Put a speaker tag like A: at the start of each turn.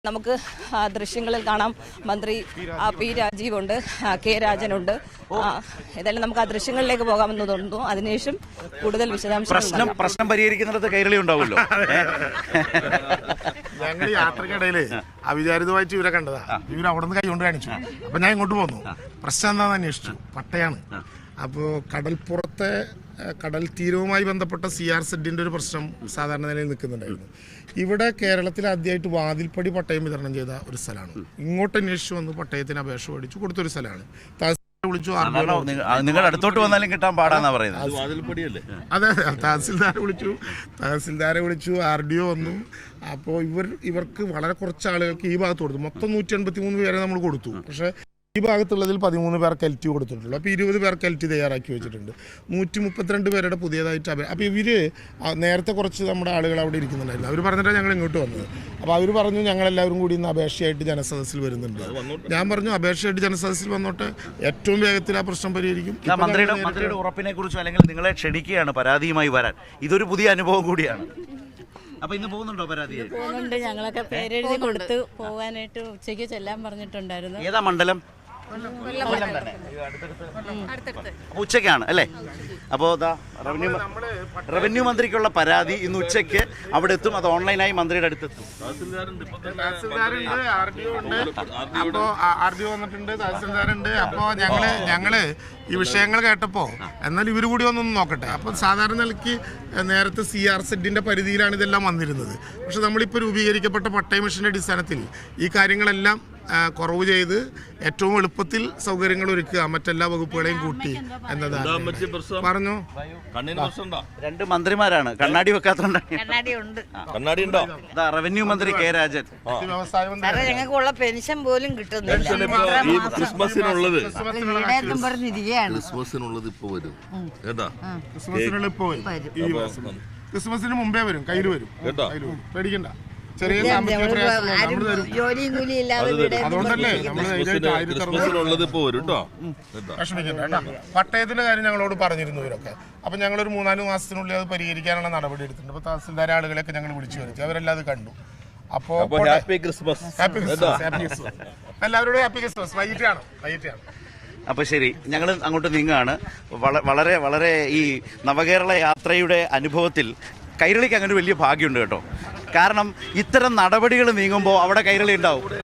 A: നമുക്ക് ദൃശ്യങ്ങളിൽ കാണാം മന്ത്രി പി രാജീവുണ്ട്, കെ രാജനുണ്ട്. ഏതായാലും നമുക്ക് ആ ദൃശ്യങ്ങളിലേക്ക് പോകാമെന്ന് തോന്നുന്നു. അതിനുശേഷം കൂടുതൽ വിശദാംശങ്ങൾ
B: പ്രശ്നം പരിഹരിക്കുന്നിടത്ത് കൈരളി ഉണ്ടാവുമല്ലോ.
C: ഞങ്ങൾ യാത്രക്കിടയില് അവിചാരിതമായിട്ട് ഇവരെ കണ്ടതാ. ഇവർ അവിടെ നിന്ന് കൈകൊണ്ട് കാണിച്ചു. അപ്പൊ ഞാൻ ഇങ്ങോട്ട് പോന്നു. പ്രശ്നം എന്താണെന്ന് അന്വേഷിച്ചു. പട്ടയാണ്. അപ്പോൾ കടൽപ്പുറത്തെ കടൽ തീരവുമായി ബന്ധപ്പെട്ട CRZ ഒരു പ്രശ്നം സാധാരണ നിലയിൽ നിൽക്കുന്നുണ്ടായിരുന്നു. ഇവിടെ കേരളത്തിൽ ആദ്യമായിട്ട് വാതിൽപ്പടി പട്ടയം വിതരണം ചെയ്ത ഒരു സ്ഥലമാണ്. ഇങ്ങോട്ട് അന്വേഷിച്ചു വന്ന് പട്ടയത്തിന് അപേക്ഷ മേടിച്ചു കൊടുത്തൊരു സ്ഥലമാണ്. വിളിച്ചു,
B: നിങ്ങൾ അടുത്തോട്ട് വന്നാലും കിട്ടാൻ പാടാന്നാ പറയുന്നത്.
C: അതെ, തഹസിൽദാരെ വിളിച്ചു, RDO വന്നു. അപ്പോൾ ഇവർക്ക് വളരെ കുറച്ച് ആളുകൾക്ക് ഈ ഭാഗത്ത് കൊടുത്തു. മൊത്തം 183 പേരെ നമ്മൾ കൊടുത്തു. പക്ഷേ ഈ ഭാഗത്തുള്ളതിൽ 13 പേർക്ക് LT കൊടുത്തിട്ടുള്ളൂ. അപ്പോൾ 20 പേർക്ക് LT തയ്യാറാക്കി വെച്ചിട്ടുണ്ട്. 132 പേരുടെ പുതിയതായിട്ട് അപ്പോൾ ഇവര് നേരത്തെ കുറച്ച് നമ്മുടെ ആളുകൾ അവിടെ ഇരിക്കുന്നുണ്ടായിരുന്നു. അവർ പറഞ്ഞിട്ടാണ് ഞങ്ങൾ ഇങ്ങോട്ട് വന്നത്. അപ്പോൾ അവർ പറഞ്ഞു ഞങ്ങളെല്ലാവരും കൂടി ഇന്ന് അപേക്ഷയായിട്ട് ജനസദസ്സിൽ വരുന്നുണ്ട്. ഞാൻ പറഞ്ഞു അപേക്ഷയായിട്ട് ജനസദസ്സിൽ വന്നോട്ടെ, ഏറ്റവും വേഗത്തിൽ ആ പ്രശ്നം പരിഹരിക്കും.
B: മന്ത്രിയുടെ ഉറപ്പിനെ കുറിച്ചോ അല്ലെങ്കിൽ നിങ്ങളെ ക്ഷണിക്കുകയാണ് പരാതിയുമായി വരാൻ. ഇതൊരു പുതിയ അനുഭവം കൂടിയാണ്. അപ്പൊ ഇന്ന് പോകുന്നുണ്ടോ പരാതി?
D: പോകുന്നുണ്ട്. ഞങ്ങളൊക്കെ പേരെഴുതി കൊടുത്ത് പോകാനായിട്ട് ഉച്ചയ്ക്ക് ചെല്ലാൻ പറഞ്ഞിട്ടുണ്ടായിരുന്നു.
B: ഏതാ മണ്ഡലം? ഉച്ചയ്ക്കാണ് അല്ലേ? അപ്പോൾ റവന്യൂ മന്ത്രിക്കുള്ള പരാതി ഇന്ന് ഉച്ചയ്ക്ക് അവിടെ എത്തും. അത് ഓൺലൈനായി മന്ത്രിയുടെ അടുത്തെത്തും.
C: അപ്പോൾ RDO വന്നിട്ടുണ്ട്, തഹസിൽദാരുണ്ട്. അപ്പോൾ ഞങ്ങള് ഈ വിഷയങ്ങൾ കേട്ടപ്പോൾ എന്നാൽ ഇവർ കൂടി ഒന്നൊന്ന് നോക്കട്ടെ. അപ്പം സാധാരണ നിലയ്ക്ക് നേരത്തെ CRZ പരിധിയിലാണ് ഇതെല്ലാം വന്നിരുന്നത്. പക്ഷെ നമ്മളിപ്പോൾ രൂപീകരിക്കപ്പെട്ട പട്ടയ മിഷന്റെ അടിസ്ഥാനത്തിൽ ഈ കാര്യങ്ങളെല്ലാം കുറവ് ചെയ്ത് ഏറ്റവും എളുപ്പത്തിൽ സൗകര്യങ്ങൾ ഒരുക്കുക, മറ്റെല്ലാ വകുപ്പുകളെയും കൂട്ടി എന്നതാണ് പറഞ്ഞു.
B: രണ്ട് മന്ത്രിമാരാണ്, കണ്ണാടി വെക്കാത്തോണ്ടാണ്. റവന്യൂ മന്ത്രി കെ രാജൻ.
E: ഞങ്ങൾക്കുള്ള പെൻഷൻ പോലും കിട്ടുന്നില്ല.
C: ക്രിസ്മസിനുള്ളത് ഇപ്പൊ വരും കേട്ടാ. ക്രിസ്മസിന് മുമ്പേ വരും, കയ്യിൽ വരും കേട്ടോ, പേടിക്കണ്ട.
E: ജോലിയും കൂലി ഇല്ലാതെ
C: അതുകൊണ്ടല്ലേ പട്ടയത്തിന്റെ കാര്യം ഞങ്ങളോട് പറഞ്ഞിരുന്നു ഇവരൊക്കെ. അപ്പൊ ഞങ്ങളൊരു 3-4 മാസത്തിനുള്ളിൽ അത് പരിഹരിക്കാനുള്ള നടപടി എടുത്തിട്ടുണ്ട്. അപ്പൊ തഹസിൽദാർ ആളുകളെയൊക്കെ ഞങ്ങൾ വിളിച്ചു വരുത്തി, അവരെല്ലാം അത് കണ്ടു. അപ്പോ ഹാപ്പി ക്രിസ്മസ്, എല്ലാവരോടും ഹാപ്പി ക്രിസ്മസ്. വൈകിട്ടാണ്.
B: അപ്പോൾ ശരി, ഞങ്ങൾ അങ്ങോട്ട് നീങ്ങുകയാണ്. വളരെ വളരെ ഈ നവകേരള യാത്രയുടെ അനുഭവത്തിൽ കൈരളിക്ക് അങ്ങനെ വലിയ ഭാഗ്യമുണ്ട് കേട്ടോ. കാരണം ഇത്തരം നടപടികൾ നീങ്ങുമ്പോൾ അവിടെ കൈരളി ഉണ്ടാവും.